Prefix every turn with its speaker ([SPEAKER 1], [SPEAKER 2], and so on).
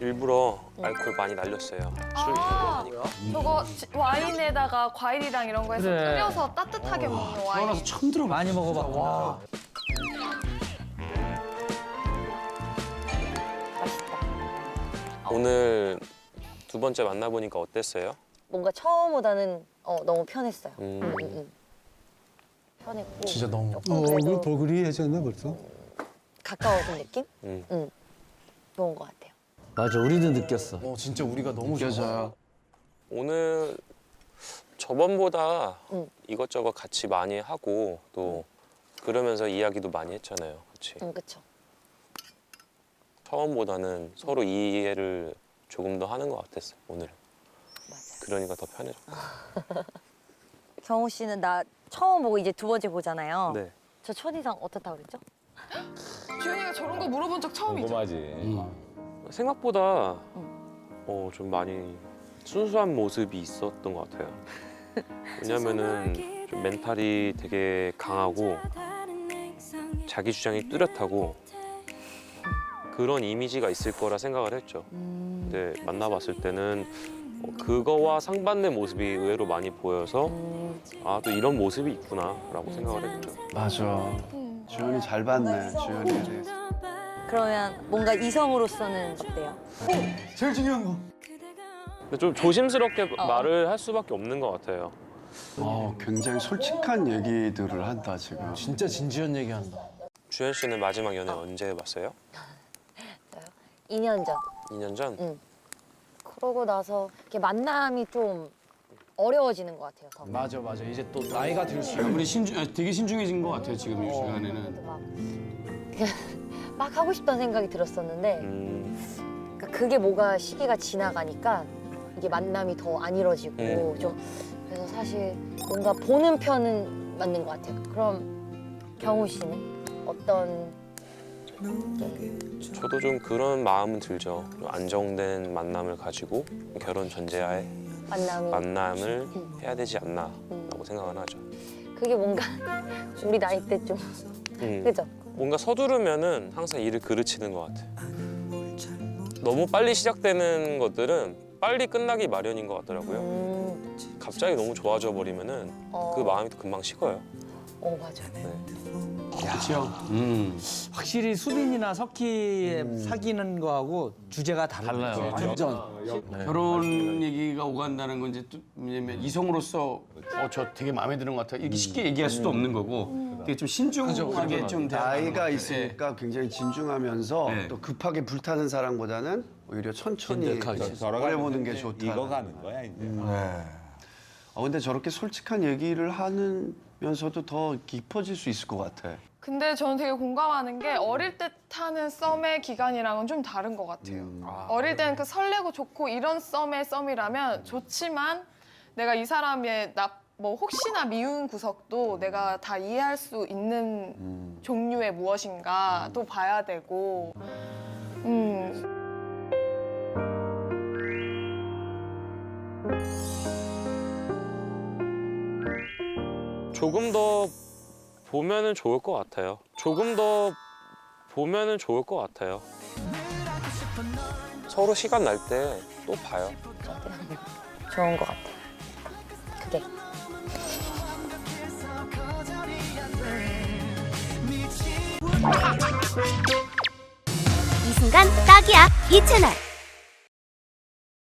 [SPEAKER 1] 일부러 알코올 많이 날렸어요. 술 하니까.
[SPEAKER 2] 저거 와인에다가 과일이랑 이런 거 해서
[SPEAKER 3] 그래.
[SPEAKER 2] 끓여서 따뜻하게 먹는 와인.
[SPEAKER 4] 태어나서 처음 들어봐.
[SPEAKER 3] 많이 먹어봤구나.
[SPEAKER 1] 오늘 두 번째 만나보니까 어땠어요?
[SPEAKER 5] 뭔가 처음보다는 너무 편했어요.
[SPEAKER 1] 음.
[SPEAKER 5] 편했고
[SPEAKER 4] 진짜 너무.
[SPEAKER 5] 조금 그래도
[SPEAKER 6] 버그리해졌네 벌써.
[SPEAKER 5] 가까워진 느낌?
[SPEAKER 1] 음.
[SPEAKER 5] 좋은 것 같아요.
[SPEAKER 3] 맞아, 우리도 느꼈어.
[SPEAKER 4] 진짜 우리가 너무 좋아요.
[SPEAKER 1] 오늘 저번보다
[SPEAKER 5] 응.
[SPEAKER 1] 이것저것 같이 많이 하고 또 그러면서 이야기도 많이 했잖아요. 그렇지?
[SPEAKER 5] 그쵸.
[SPEAKER 1] 처음보다는 서로 이해를 조금 더 하는 것 같았어 오늘은.
[SPEAKER 5] 맞아요.
[SPEAKER 1] 그러니까 더 편해졌고.
[SPEAKER 5] 경호 씨는 나 처음 보고 이제 두 번째 보잖아요.
[SPEAKER 1] 네.
[SPEAKER 5] 저 첫인상 어떻다고 그랬죠?
[SPEAKER 2] 주현이가 저런 거 물어본 적 처음이죠?
[SPEAKER 7] 궁금하지.
[SPEAKER 1] 생각보다 좀 많이 순수한 모습이 있었던 것 같아요. 왜냐면은 좀 멘탈이 되게 강하고 자기 주장이 뚜렷하고 그런 이미지가 있을 거라 생각을 했죠. 근데 만나봤을 때는 그거와 상반된 모습이 의외로 많이 보여서 아, 또 이런 모습이 있구나라고 생각을 했죠.
[SPEAKER 4] 맞아. 주현이 잘 봤네. 주현이에 대해서.
[SPEAKER 5] 그러면 뭔가 이성으로서는 어때요?
[SPEAKER 4] 제일 중요한 거.
[SPEAKER 1] 근데 좀 조심스럽게 말을 할 수밖에 없는 것 같아요.
[SPEAKER 4] 굉장히 솔직한 얘기들을 한다 지금. 진짜 진지한 얘기한다.
[SPEAKER 1] 주현 씨는 마지막 연애 언제 해봤어요?
[SPEAKER 5] 2년 전.
[SPEAKER 1] 2년 전?
[SPEAKER 5] 그러고 나서 이렇게 만남이 좀 어려워지는 것 같아요. 더.
[SPEAKER 4] 맞아. 이제 또 나이가 들수록 우리 되게 신중해진 것 같아요 지금 이 시간에는.
[SPEAKER 5] 그래도 막 하고 싶다는 생각이 들었었는데 그러니까 그게 뭐가 시기가 지나가니까 이게 만남이 더 안 이루어지고 좀 그래서 사실 뭔가 보는 편은 맞는 것 같아요. 그럼 경호 씨는 어떤
[SPEAKER 1] 저도 좀 그런 마음은 들죠. 좀 안정된 만남을 가지고 결혼 전제하에 만남을 해야 되지 않나라고 생각은 하죠.
[SPEAKER 5] 그게 뭔가 우리 나이 때 좀 그죠?
[SPEAKER 1] 뭔가 서두르면은 항상 일을 그르치는 것 같아. 너무 빨리 시작되는 것들은 빨리 끝나기 마련인 것 같더라고요. 갑자기 너무 좋아져 버리면은 그 마음이 또 금방 식어요.
[SPEAKER 5] 맞아.
[SPEAKER 4] 그렇죠.
[SPEAKER 3] 확실히 수빈이나 석희의 사귀는 거하고 주제가 달라요.
[SPEAKER 4] 완전. 결혼 얘기가 오간다는 건 이제 또 왜냐면 이성으로서 저 되게 마음에 드는 것 같아. 이렇게 쉽게 얘기할 수도 없는 거고 되게 좀 신중하게 좀
[SPEAKER 8] 나이가 있으니까 굉장히 진중하면서
[SPEAKER 4] 네.
[SPEAKER 8] 또 급하게 불타는 사람보다는 오히려 천천히 오래 보는 게 좋다.
[SPEAKER 7] 익어가는 거야 이제.
[SPEAKER 8] 근데 저렇게 솔직한 얘기를 하면서도 더 깊어질 수 있을 것 같아.
[SPEAKER 2] 근데 저는 되게 공감하는 게 어릴 때 타는 썸의 기간이랑은 좀 다른 것 같아요. 어릴 때는 그 설레고 좋고 이런 썸이라면 좋지만 내가 이 사람의 뭐 혹시나 미운 구석도 내가 다 이해할 수 있는 종류의 무엇인가 또 봐야 되고
[SPEAKER 1] 조금 더 보면은 좋을 것 같아요. 조금 더 보면은 좋을 것 같아요. 서로 시간 날 때 또 봐요.
[SPEAKER 5] 좋은 것 같아. 그게.
[SPEAKER 9] 이 순간 딱이야 이 채널.